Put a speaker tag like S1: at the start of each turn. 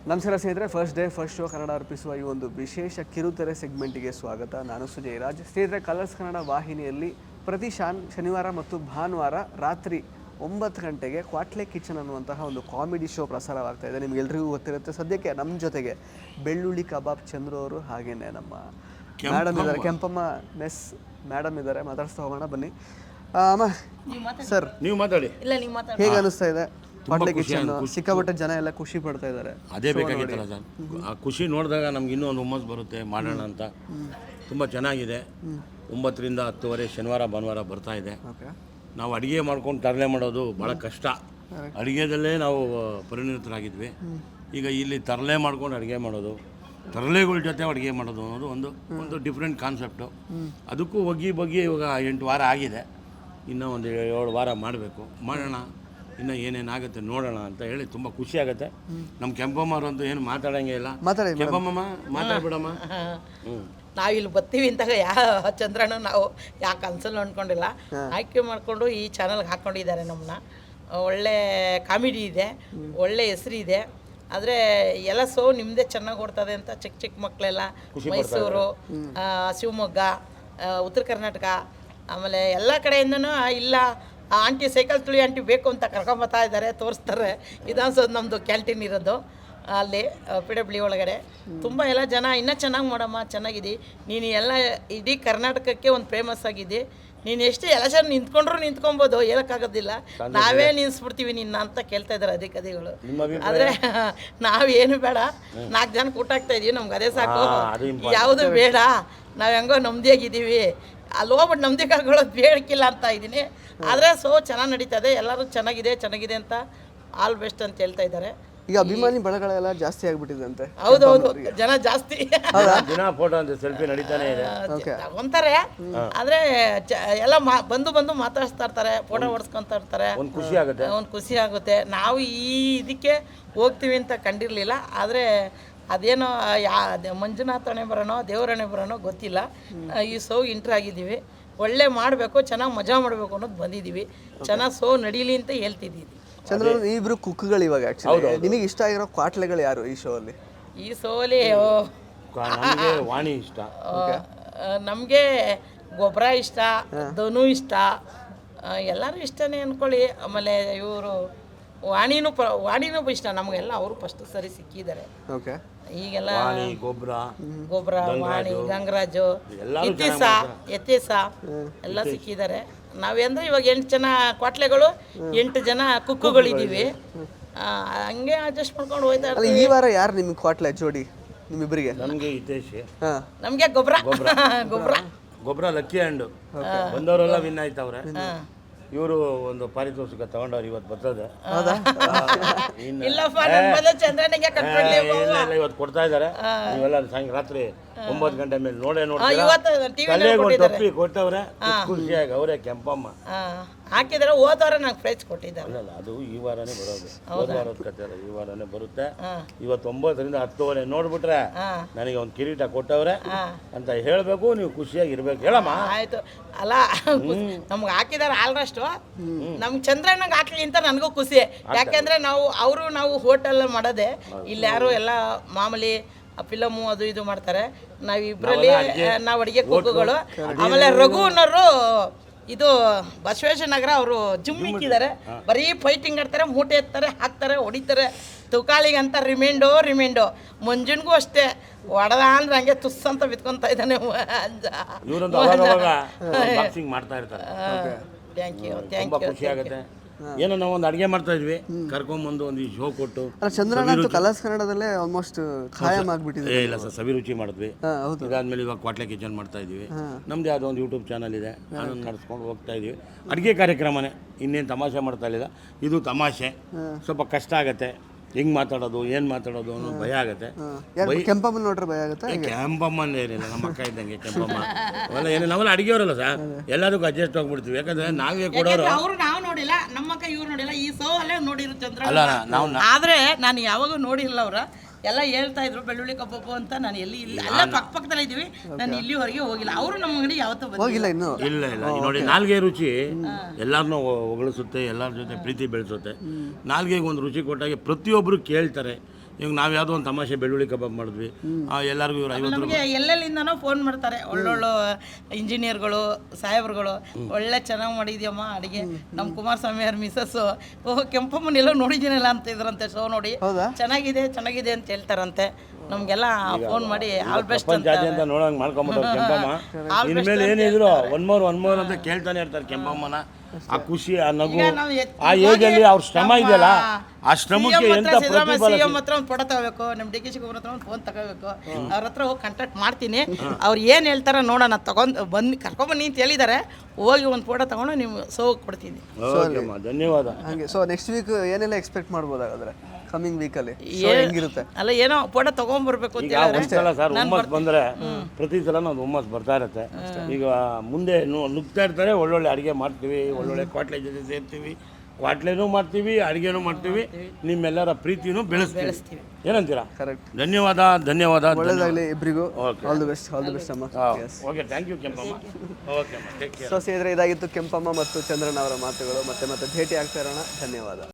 S1: ನಮಸ್ಕಾರ ಸ್ನೇಹಿತರೆ, first show Kannada ಅರ್ಪಿಸುವ ಈ ಒಂದು ವಿಶೇಷ ಕಿರುತೆರೆ ಸೆಗ್ಮೆಂಟಿಗೆ ಸ್ವಾಗತ. ನಾನು ಸುಜಯ್ ರಾಜ್. ಸ್ನೇಹಿತರೆ, ಕಲರ್ಸ್ ಕನ್ನಡ ವಾಹಿನಿಯಲ್ಲಿ ಪ್ರತಿ ಶನಿವಾರ ಮತ್ತು ಭಾನುವಾರ ರಾತ್ರಿ 9 ಗಂಟೆಗೆ ಕ್ವಾಟ್ಲೆ ಕಿಚನ್ ಅನ್ನುವಂತಹ ಒಂದು ಕಾಮಿಡಿ ಶೋ ಪ್ರಸಾರವಾಗ್ತಾ ಇದೆ. ನಿಮ್ಗೆಲ್ರಿಗೂ ಗೊತ್ತಿರುತ್ತೆ. ಸದ್ಯಕ್ಕೆ ನಮ್ಮ ಜೊತೆಗೆ ಬೆಳ್ಳುಳ್ಳಿ ಕಬಾಬ್ ಚಂದ್ರು ಅವರು, ಹಾಗೇನೆ ನಮ್ಮ ಮೇಡಮ್ ಇದ್ದಾರೆ, ಕೆಂಪಮ್ಮ ಮೆಸ್ ಮೇಡಮ್ ಇದ್ದಾರೆ. ಮಾತಾಡಿಸ್ತಾ ಹೋಗೋಣ ಬನ್ನಿ. ಅಮ್ಮ ಸರ್,
S2: ನೀವು ಮಾತಾಡಿ.
S1: ಹೇಗೆ ಅನಿಸ್ತಾ ಇದೆ ಕ್ವಾಟ್ಲೆ ಕಿಚನ್? ಸಿಕ್ಕಾಪಟ್ಟೆ ಜನ ಎಲ್ಲ ಖುಷಿ ಪಡ್ತಾ ಇದ್ದಾರೆ.
S2: ಅದೇ ಬೇಕಾಗಿತ್ತಲ್ಲ ಸರ್, ಆ ಖುಷಿ ನೋಡಿದಾಗ ನಮ್ಗೆ ಇನ್ನೂ ಒಂದು ಹುಮ್ಮಸ್ ಬರುತ್ತೆ, ಮಾಡೋಣ ಅಂತ. ತುಂಬ ಚೆನ್ನಾಗಿದೆ. 9 ರಿಂದ 10 ಶನಿವಾರ ಭಾನುವಾರ ಬರ್ತಾ ಇದೆ. ನಾವು ಅಡುಗೆ ಮಾಡ್ಕೊಂಡು ತರಲೆ ಮಾಡೋದು ಭಾಳ ಕಷ್ಟ. ಅಡುಗೆದಲ್ಲೇ ನಾವು ಪರಿಣಿತರಾಗಿದ್ವಿ. ಈಗ ಇಲ್ಲಿ ತರಲೆ ಮಾಡ್ಕೊಂಡು ಅಡುಗೆ ಮಾಡೋದು, ತರಲೆಗಳ ಜೊತೆ ಅಡುಗೆ ಮಾಡೋದು ಅನ್ನೋದು ಒಂದು ಡಿಫ್ರೆಂಟ್ ಕಾನ್ಸೆಪ್ಟು. ಅದಕ್ಕೂ ಬಗ್ಗಿ ಇವಾಗ 8 ವಾರ ಆಗಿದೆ. ಇನ್ನೂ ಒಂದು 7 ವಾರ ಮಾಡಬೇಕು. ಮಾಡೋಣ, ಇನ್ನು ಏನೇನಾಗುತ್ತೆ ನೋಡೋಣ ಅಂತ ಹೇಳಿ ತುಂಬ ಖುಷಿ ಆಗುತ್ತೆ. ನಮ್ಮ ಕೆಂಪಮ್ಮವ್ರಂತೂ ಏನು ಮಾತಾಡೋಂಗೆ ಇಲ್ಲ. ಕೆಂಪಮ್ಮ ಮಾತಾಡ್ಬಿಡಮ್ಮ.
S3: ನಾವಿಲ್ಲಿ ಬರ್ತೀವಿ ಅಂತಾಗ ಚಂದ್ರಣ್ಣ ನಾವು ಯಾಕೆ ಕನ್ಸಲ್ಲಿ ಅಂದ್ಕೊಂಡಿಲ್ಲ. ಆಯ್ಕೆ ಮಾಡಿಕೊಂಡು ಈ ಚಾನಲ್ಗೆ ಹಾಕ್ಕೊಂಡಿದ್ದಾರೆ ನಮ್ಮನ್ನ. ಒಳ್ಳೆ ಕಾಮಿಡಿ ಇದೆ, ಒಳ್ಳೆ ಹೆಸರಿದೆ. ಆದರೆ ಎಲ್ಲ ಶೋ ನಿಮ್ಮದೇ ಚೆನ್ನಾಗಿ ಓಡ್ತದೆ ಅಂತ ಚಿಕ್ಕ ಮಕ್ಕಳೆಲ್ಲ ಮೈಸೂರು, ಶಿವಮೊಗ್ಗ, ಉತ್ತರ ಕರ್ನಾಟಕ, ಆಮೇಲೆ ಎಲ್ಲ ಕಡೆಯಿಂದನೂ ಇಲ್ಲ ಆಂಟಿ ಸೈಕಲ್ ತುಳಿ ಆಂಟಿ ಬೇಕು ಅಂತ ಕರ್ಕೊಂಬತ್ತಾ ಇದ್ದಾರೆ, ತೋರಿಸ್ತಾರೆ. ವಿಧಾನಸೌಧ ನಮ್ಮದು ಕ್ಯಾಂಟೀನ್ ಇರೋದು ಅಲ್ಲಿ PW ಒಳಗಡೆ. ತುಂಬ ಎಲ್ಲ ಜನ ಇನ್ನೂ ಚೆನ್ನಾಗಿ ಮಾಡಮ್ಮ, ಚೆನ್ನಾಗಿದೆ ನೀನು, ಎಲ್ಲ ಇಡೀ ಕರ್ನಾಟಕಕ್ಕೆ ಒಂದು ಫೇಮಸ್ ಆಗಿದೆ ನೀನು. ಎಷ್ಟು ಎಲೆಕ್ಷನ್ ನಿಂತ್ಕೊಂಡ್ರು ನಿಂತ್ಕೊಬೋದು, ಹೇಳೋಕ್ಕಾಗೋದಿಲ್ಲ. ನಾವೇ ನಿಲ್ಲಿಸ್ಬಿಡ್ತೀವಿ ನಿನ್ನ ಅಂತ ಕೇಳ್ತಾ ಇದ್ದಾರೆ ಅಧಿಕಾರಿಗಳು. ಆದರೆ ನಾವೇನು ಬೇಡ, 4 ಜನಕ್ಕೆ ಊಟ ಆಗ್ತಾ ಇದೀವಿ, ನಮ್ಗೆ ಅದೇ ಸಾಕು, ಯಾವುದು ಬೇಡ, ನಾವು ಹೆಂಗೋ ನೆಮ್ಮದಿಯಾಗಿದ್ದೀವಿ. ಅಲ್ಲಿ ಹೋಗ್ಬಿಟ್ಟು ನಮ್ಮದಿ ಕಳ್ಕೊಳ್ಳೋದು ಬೇಡಕ್ಕಿಲ್ಲ ಅಂತ ಇದ್ದೀನಿ. ಆದರೆ ಶೋ ಚೆನ್ನಾಗಿ ನಡೀತದೆ, ಎಲ್ಲರೂ ಚೆನ್ನಾಗಿದೆ ಅಂತ ಆಲ್ ಬೆಸ್ಟ್ ಅಂತ ಹೇಳ್ತಾ ಇದ್ದಾರೆ.
S1: ಈಗ ಅಭಿಮಾನಿ ಬಳಗಳೆಲ್ಲ ಜಾಸ್ತಿ ಆಗ್ಬಿಟ್ಟಿದೆ.
S3: ಹೌದೌದು, ಜನ ಜಾಸ್ತಿ
S2: ದಿನ ಫೋಟೋ ಅಂತ ಸೆಲ್ಫಿ ನಡೀತಾನೆ ಇದೆ,
S3: ತಗೊಂತಾರೆ. ಆದರೆ ಎಲ್ಲ ಬಂದು ಮಾತಾಡಿಸ್ತಾ ಇರ್ತಾರೆ, ಫೋಟೋ ಹೊಡ್ಸ್ಕೊತಾ ಇರ್ತಾರೆ. ಒಂದು ಖುಷಿ ಆಗುತ್ತೆ. ನಾವು ಈ ಇದಕ್ಕೆ ಹೋಗ್ತೀವಿ ಅಂತ ಕಂಡಿರಲಿಲ್ಲ. ಆದರೆ ಅದೇನೋ ಮಂಜುನಾಥಣೆ ಬರೋಣೋ ದೇವರಣೆ ಬರೋಣೋ ಗೊತ್ತಿಲ್ಲ, ಈ ಶೋ ಇಂಟ್ರ್ ಆಗಿದ್ದೀವಿ. ಒಳ್ಳೆ ಮಾಡಬೇಕು, ಚೆನ್ನಾಗಿ ಮಜಾ ಮಾಡಬೇಕು ಅನ್ನೋದು ಬಂದಿದ್ದೀವಿ. ಚೆನ್ನಾಗಿ ಶೋ ನಡೀಲಿ ಅಂತ ಹೇಳ್ತಿದ್ದೀವಿ.
S1: ಚಂದ್ರ, ಇಬ್ರು ಕುಕ್ಗಳು ಇವಾಗ. ಆಕ್ಚುಲಿ ನಿಮಗೆ ಇಷ್ಟ ಆಗಿರೋ ಕ್ವಾಟ್ಲೆಗಳು ಯಾರು ಈ ಶೋ ಅಲ್ಲಿ?
S3: ಈ ಶೋ ಅಲ್ಲಿ
S2: ವಾಣಿ ಇಷ್ಟ,
S3: ನಮಗೆ ಗೊಬ್ಬರ ಇಷ್ಟ, ಧನು ಇಷ್ಟ, ಎಲ್ಲರೂ ಇಷ್ಟನೇ ಅಂದ್ಕೊಳ್ಳಿ. ಆಮೇಲೆ ಇವರು ವಾಣಿನೂ ಇಷ್ಟ ನಮಗೆಲ್ಲ. ಅವರು ಫಸ್ಟ್ ಸರಿ ಸಿಕ್ಕಿದ್ದಾರೆ. ಈಗೆಲ್ಲ ಗೊಬ್ಬರ, ವಾಣಿ, ಗಂಗರಾಜು, ಯತೀಸ ಎಲ್ಲ ಸಿಕ್ಕಿದ್ದಾರೆ. ನಾವೇಂದ್ರೆ ಇವಾಗ 8 ಜನ ಕ್ವಾಟ್ಲೆಗಳು, 8 ಜನ ಕುಕ್ಕುಗಳಿದ್ದೀವಿ. ಹಂಗೆ ಅಡ್ಜಸ್ಟ್ ಮಾಡ್ಕೊಂಡು ಹೋಯ್ತಾ ಇರ್ತೀವಿ.
S1: ಈ ವಾರ ಯಾರು ನಿಮ್ಗೆ ಕ್ವಾಟ್ಲೆ ಜೋಡಿ ನಿಮ್ಮಿಬ್ಬರಿಗೆ?
S2: ನಮಗೆ ಹಿತೇಶ್,
S3: ನಮಗೆ
S2: ಗೊಬ್ಬರ ಲಕ್ಕಿ ಹ್ಯಾಂಡು ಬಂದವರೆಲ್ಲ ವಿನ್ ಆಯ್ತವ್ರೆ. ಇವರು ಒಂದು ಪಾರಿತೋಷಿಕ ತಗೊಂಡವ್ರು, ಇವತ್ತು ಬರ್ತದೆ. ಇವತ್ತು ಕೊಡ್ತಾ ಇದ್ದಾರೆ. ನೀವೆಲ್ಲ ರಾತ್ರಿ 9 ಗಂಟೆ ಮೇಲೆ ನೋಡೇ ನೋಡ್ತೀವಿ. ಕೊಟ್ಟವ್ರೆ ಖುಷಿಯಾಗಿ. ಅವರೇ ಕೆಂಪಮ್ಮ
S3: ಹಾಕಿದ್ರೆ ಹೋದವಾರ ನಂಗೆ ಪ್ರೈಸ್ ಕೊಟ್ಟಿದ್ದಾರೆ.
S2: ಅಲ್ಲ, ಅದು ಈ ವಾರನೇ ಬರೋದು, ಹೋದ ವಾರದ ಕತೆ ಅಲ್ಲ, ಈ ವಾರನೇ ಬರುತ್ತೆ. ಇವತ್ತು 9 ರಿಂದ 10 ನೋಡ್ಬಿಟ್ರೆ ನನಗೆ ಒಂದು ಕಿರೀಟ ಕೊಟ್ಟವ್ರೆ ಅಂತ ಹೇಳ್ಬೇಕು. ನೀವು ಖುಷಿಯಾಗಿ ಇರ್ಬೇಕು. ಹೇಳಮ್ಮ.
S3: ಆಯ್ತು. ಅಲ್ಲ, ನಮ್ಗೆ ಹಾಕಿದಾರೆ ಆಲ್ಮೋಸ್ಟ್. ನಮ್ಗೆ ಚಂದ್ರಣ್ಣಗೆ ಹಾಕ್ಲಿ ಅಂತ ನನಗೂ ಖುಷಿ. ಯಾಕೆಂದ್ರೆ ನಾವು ಹೋಟೆಲ್ ಮಾಡೋದೆ, ಇಲ್ಲಿ ಯಾರು ಎಲ್ಲ ಮಾಮೂಲಿ ಫಿಲಮು ಅದು ಇದು ಮಾಡ್ತಾರೆ. ನಾವಿಬ್ಬರಲ್ಲಿ ನಾವು ಅಡುಗೆ ಕುಕ್ಕುಗಳು. ಆಮೇಲೆ ರಘು ಅನ್ನೋರು ಇದು ಬಸವೇಶ್ವರ ನಗರ, ಅವರು ಜಿಮ್ ಇಕ್ಕಿದ್ದಾರೆ. ಬರೀ ಫೈಟಿಂಗ್ ಆಡ್ತಾರೆ, ಮೂಟೆ ಎತ್ತಾರೆ, ಹಾಕ್ತಾರೆ, ಹೊಡಿತಾರೆ. ತುಕಾಳಿಗಂತ ರಿಮೈಂಡು. ಮಂಜುನ್ಗೂ ಅಷ್ಟೇ, ಹೊಡೆದ ಅಂದ್ರೆ ಹಂಗೆ ತುಸ್ ಅಂತ ಬಿತ್ಕೊತಾ ಇದ್ದಾನೆ. Thank you.
S2: ಖುಷಿ ಆಗುತ್ತೆ. ಏನೋ ನಾವು ಒಂದು ಅಡುಗೆ ಮಾಡ್ತಾ ಇದ್ವಿ, ಕರ್ಕೊಂಬಂದು ಒಂದು ಶೋ ಕೊಟ್ಟು.
S1: ಚಂದ್ರಣ್ಣ ಕಲರ್ಸ್ ಕನ್ನಡದಲ್ಲೇ ಆಲ್ಮೋಸ್ಟ್ ಖಾಯಂ ಆಗ್ಬಿಟ್ಟಿದೆ.
S2: ಇಲ್ಲ ಸರ್, ಸವಿರುಚಿ ಮಾಡಿದ್ವಿ. ಇದಾದ್ಮೇಲೆ ಇವಾಗ ಕ್ವಾಟ್ಲೆ ಕಿಚನ್ ಮಾಡ್ತಾ ಇದೀವಿ. ನಮ್ದು ಯಾವುದೋ ಒಂದು ಯೂಟ್ಯೂಬ್ ಚಾನಲ್ ಇದೆ, ಅದನ್ನು ನಡೆಸ್ಕೊಂಡು ಹೋಗ್ತಾ ಇದೀವಿ. ಅಡುಗೆ ಕಾರ್ಯಕ್ರಮನೇ, ಇನ್ನೇನು ತಮಾಷೆ ಮಾಡ್ತಾ ಇಲ್ಲ. ಇದು ತಮಾಷೆ, ಸ್ವಲ್ಪ ಕಷ್ಟ ಆಗುತ್ತೆ. ಹೆಂಗ್ ಮಾತಾಡೋದು, ಏನ್ ಮಾತಾಡೋದು ಅನ್ನೋ ಭಯ ಆಗುತ್ತೆ.
S1: ಕೆಂಪಮ್ಮ ನೋಡ್ರೆ ಭಯ ಆಗುತ್ತೆ.
S2: ಕೆಂಪಮ್ಮ ಏನಿಲ್ಲ, ನಮ್ಮ ಅಕ್ಕ ಇದ್ದಂಗೆ ಕೆಂಪಮ್ಮ. ಅವೆಲ್ಲ ಏನಿಲ್ಲ, ನಾವೆಲ್ಲ ಅಡುಗೆಯವರಲ್ಲ ಸರ್, ಎಲ್ಲದಕ್ಕೂ ಅಡ್ಜಸ್ಟ್ ಹೋಗ್ಬಿಡ್ತೀವಿ. ಯಾಕಂದ್ರೆ ನಾವೇ ಕೊಡೋರು.
S3: ಅವರು ನಾವು ನೋಡಿಲ್ಲ, ನಮ್ಮ ಅಕ್ಕ ಇವ್ರು ನೋಡಿಲ್ಲ. ಈ ಶೋ ಅಲ್ಲೇ ನೋಡಿರು ಚಂದ್ರ. ಆದ್ರೆ ನಾನು ಯಾವಾಗೂ ನೋಡಿಲ್ಲ. ಅವ್ರ ಎಲ್ಲ ಹೇಳ್ತಾ ಇದ್ರು ಬೆಳ್ಳುಳ್ಳಿ ಕಬಾಬು ಅಂತ. ನಾನು ಎಲ್ಲಿ ಇಲ್ಲ, ಎಲ್ಲ ಪಕ್ಕದಲ್ಲೇ ಇದ್ದೀವಿ. ನಾನು ಇಲ್ಲಿವರೆಗೆ ಹೋಗಿಲ್ಲ. ಅವರು ನಮ್ಮ ಅಂಗಡಿ ಯಾವತ್ತೂ
S1: ಹೋಗಿಲ್ಲ ಇನ್ನು.
S2: ಇಲ್ಲ ನೋಡಿ, ನಾಲ್ಗೆ ರುಚಿ ಎಲ್ಲರನ್ನೂ ಹೊಗಳಿಸುತ್ತೆ, ಎಲ್ಲರ ಜೊತೆ ಪ್ರೀತಿ ಬೆಳೆಸುತ್ತೆ. ನಾಲ್ಗೆಗೆ ಒಂದು ರುಚಿ ಕೊಟ್ಟಾಗೆ ಪ್ರತಿಯೊಬ್ಬರು ಕೇಳ್ತಾರೆ, ಈಗ ನಾವು ಯಾವುದೋ ಒಂದು ತಮಾಷೆ ಬೆಳ್ಳುಳ್ಳಿ ಕಬಾಬ್ ಮಾಡಿದ್ವಿ ಎಲ್ಲರಿಗೂ ಇವ್ರು 50
S3: ನಮಗೆ ಎಲ್ಲೆಲ್ಲಿಂದನೋ ಫೋನ್ ಮಾಡ್ತಾರೆ ಒಳ್ಳೊಳ್ಳೆ ಇಂಜಿನಿಯರ್ಗಳು ಸಾಹೇಬ್ರುಗಳು ಒಳ್ಳೆ ಚೆನ್ನಾಗಿ ಮಾಡಿದ್ಯಮ್ಮ ಅಡುಗೆ ನಮ್ಮ ಕುಮಾರಸ್ವಾಮಿ ಅವ್ರ ಮಿಸಸ್ಸು ಓಹ್ ಕೆಂಪಮ್ಮನೆಲ್ಲೋ ನೋಡಿದ್ದೀನಲ್ಲ ಅಂತ ಇದ್ರಂತೆ ಶೋ ನೋಡಿ ಚೆನ್ನಾಗಿದೆ ಚೆನ್ನಾಗಿದೆ ಅಂತ ಹೇಳ್ತಾರಂತೆ ನಮಗೆಲ್ಲ ಫೋನ್ ಮಾಡಿ ಆಲ್ ಬೆಸ್ಟ್ ಅಂತ
S2: ಅಂತ ನೋಡಂಗೆ ಮಾಡ್ಕೊಂಬಿಟ್ಟು ಕೆಂಪಮ್ಮ ಇನ್ಮೇಲೆ ಏನಿದ್ರು ಒನ್ ಮೋರ್ ಅಂತ ಕೇಳ್ತಾನೆ ಇರ್ತಾರೆ ಕೆಂಪಮ್ಮನ. ಆ ಖುಷಿ ಆ ನಗು ಆ ಏಜಲ್ಲಿ ಅವ್ರ ಶ್ರಮ ಇದೆಯಲ್ಲ ಆ ಶ್ರಮಕ್ಕೆ ಎಂತ ಪ್ರತಿಫಲ.
S3: ಸಿಎಂ ಹತ್ರ ಒಂದು ಫೋಟೋ ತಗೋಬೇಕು, ನಮ್ಮ ಡಿ ಕೆ ಶಿವಕುಮಾರ್ ಹತ್ರ ಒಂದು ಫೋನ್ ತಗೋಬೇಕು, ಅವ್ರ ಹತ್ರ ಹೋಗಿ ಕಾಂಟ್ಯಾಕ್ಟ್ ಮಾಡ್ತೀನಿ. ಅವ್ರು ಏನು ಹೇಳ್ತಾರ ನೋಡೋಣ, ಬಂದು ಕರ್ಕೊಂಬನ್ನಿ ಅಂತ ಹೇಳಿದ್ದಾರೆ. ಹೋಗಿ ಒಂದು ಫೋಟೋ ತಗೊಂಡು ನೀವು ಸೋ ಕೊಡ್ತೀನಿ.
S2: ಧನ್ಯವಾದ.
S1: ಹಾಗೆ ಸೊ ನೆಕ್ಸ್ಟ್ ವೀಕ್ ಏನೆಲ್ಲ ಎಕ್ಸ್ಪೆಕ್ಟ್ ಮಾಡ್ಬೋದಾಗಾದ್ರೆ ಕಮಿಂಗ್ ವೀಕಲ್ಲಿ ಹೆಂಗಿರುತ್ತೆ?
S3: ಅಲ್ಲ ಏನೋ ಫೋಟೋ ತಗೊಂಡ್ಬರ್ಬೇಕು ಅಂತ
S2: ಒಂದ್ಸಲ ಸರ್ ಹುಮ್ಮಸ್ ಬಂದರೆ ಪ್ರತಿ ಸಲ ನಾವು ಹುಮ್ಮಸ್ ಬರ್ತಾ ಇರುತ್ತೆ. ಈಗ ಮುಂದೆ ನುಗ್ತಾ ಇರ್ತಾರೆ, ಒಳ್ಳೊಳ್ಳೆ ಅಡುಗೆ ಮಾಡ್ತೀವಿ, ಒಳ್ಳೊಳ್ಳೆ ಕ್ವಾಟ್ಲೆ ಜೊತೆ ಸೇರ್ತೀವಿ, ಕ್ವಾಟ್ಲೆನೂ ಮಾಡ್ತೀವಿ, ಅಡುಗೆನೂ ಮಾಡ್ತೀವಿ, ನಿಮ್ಮೆಲ್ಲರ ಪ್ರೀತಿನೂ ಬೆಳೆಸ್ತೀವಿ. ಏನಂತೀರಾ?
S1: ಕರೆಕ್ಟ್.
S2: ಧನ್ಯವಾದ.
S1: ಒಳ್ಳೇದಾಗಲಿ ಇಬ್ಬರಿಗೂ. ಆಲ್ ದಿ ಬೆಸ್ಟ್ ಅಮ್ಮ.
S2: Okay, thank you Kempamma. Okay ಅಮ್ಮ, ಟೇಕ್ ಕೇರ್.
S1: ಸೊ ಸೇದ್ರೆ ಇದಾಗಿತ್ತು ಕೆಂಪಮ್ಮ ಮತ್ತು ಚಂದ್ರನ್ ಅವರ ಮಾತುಗಳು. ಮತ್ತೆ ಭೇಟಿ ಆಗ್ತಾ ಇರೋಣ. ಧನ್ಯವಾದ.